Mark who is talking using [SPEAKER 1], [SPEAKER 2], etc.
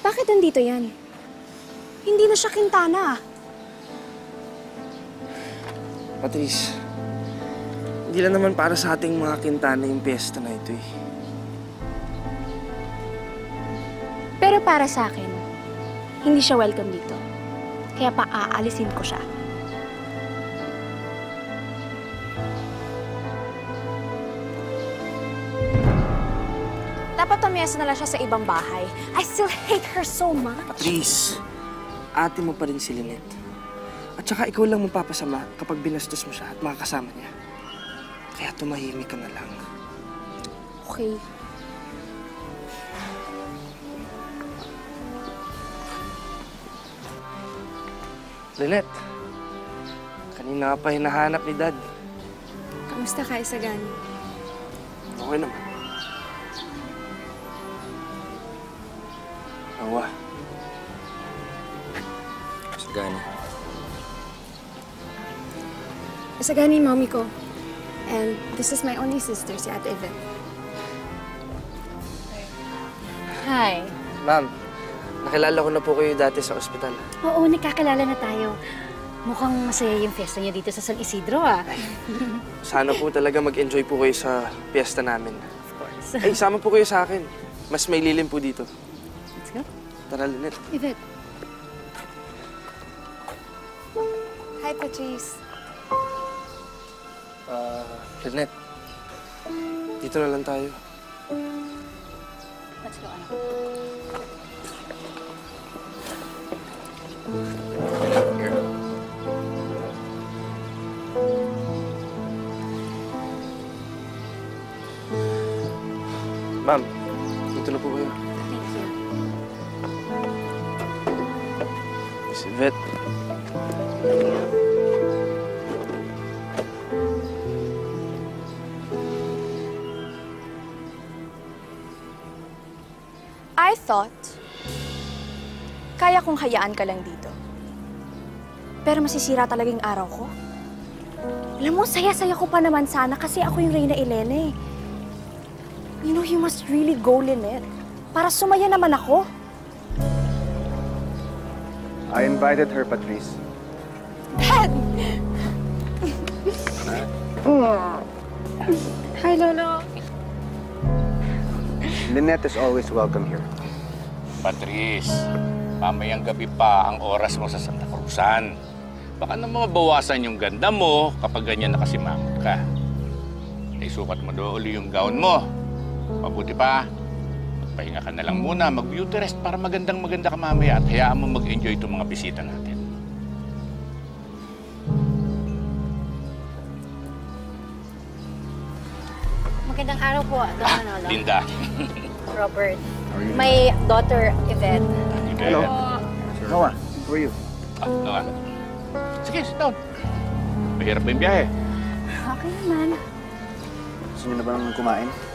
[SPEAKER 1] Bakit nandito yan? Hindi na siya Quintana.
[SPEAKER 2] Patrice, hindi lang naman para sa ating mga Quintana yung piyesta na ito eh.
[SPEAKER 1] Pero para sa akin, hindi siya welcome dito. Kaya paaalisin ko siya. Dapat tumiyasa na lang siya sa ibang bahay. I still hate her so much.
[SPEAKER 2] Patrice, ate mo pa rin si Lynette. At saka ikaw lang mapapasama kapag binastos mo siya at mga kasama niya. Kaya tumahimik ka na lang.
[SPEAKER 1] Okay.
[SPEAKER 2] Lynette, kanina ka pa hinahanap ni Dad.
[SPEAKER 1] Kamusta ka, Isagani?
[SPEAKER 2] Okay naman. Awa. Isagani.
[SPEAKER 1] Isagani, mommy ko. And this is my only sister, si Ate Yvette.
[SPEAKER 3] Hi.
[SPEAKER 2] Ma'am, nakilala ko na po kayo dati sa ospital.
[SPEAKER 3] Oo, nagkakilala na tayo. Mukhang masaya yung fiesta niyo dito sa San Isidro, ah.
[SPEAKER 2] Sana po talaga mag-enjoy po kayo sa piyesta namin.
[SPEAKER 3] Of course.
[SPEAKER 2] Ay, sama po kayo sa akin. Mas may lilim po dito.
[SPEAKER 3] Let's go.
[SPEAKER 2] Tara, Lynette.
[SPEAKER 3] Yvette.
[SPEAKER 1] Hi, Patrice.
[SPEAKER 2] Lynette. Dito na lang tayo.
[SPEAKER 3] Let's go, anak.
[SPEAKER 2] Ma'am, dito na po kayo.
[SPEAKER 3] Thank you.
[SPEAKER 2] Miss Yvette.
[SPEAKER 1] I thought, kaya kong hayaan ka lang dito. Pero masisira talaga yung araw ko. Alam mo, saya-saya ko pa naman sana kasi ako yung Reyna Elena eh. You know, you must really go, Lynette. Para sumaya naman ako.
[SPEAKER 4] I invited her, Patrice.
[SPEAKER 1] Dad! Hi, Lolo.
[SPEAKER 4] Lynette is always welcome here.
[SPEAKER 5] Patrice, mamayang gabi pa ang oras mo sa Santa Cruzan. Baka naman mabawasan yung ganda mo kapag ganyan nakasimangot ka. Naisukat mo doon uli yung gown mo. Mabuti pa, magpahinga ka na lang muna, mag-beauty rest para magandang-maganda ka mamaya at hayaan mo mag-enjoy itong mga bisita natin.
[SPEAKER 3] Magandang araw po, Don Manolo.
[SPEAKER 5] Linda.
[SPEAKER 3] Robert. My daughter, Yvette.
[SPEAKER 4] Hello. Noah, who are you?
[SPEAKER 5] Noah. Sige, sit down. Mahirap ba yung biyahe?
[SPEAKER 3] Okay naman.
[SPEAKER 4] Gusto niyo na bang kumain?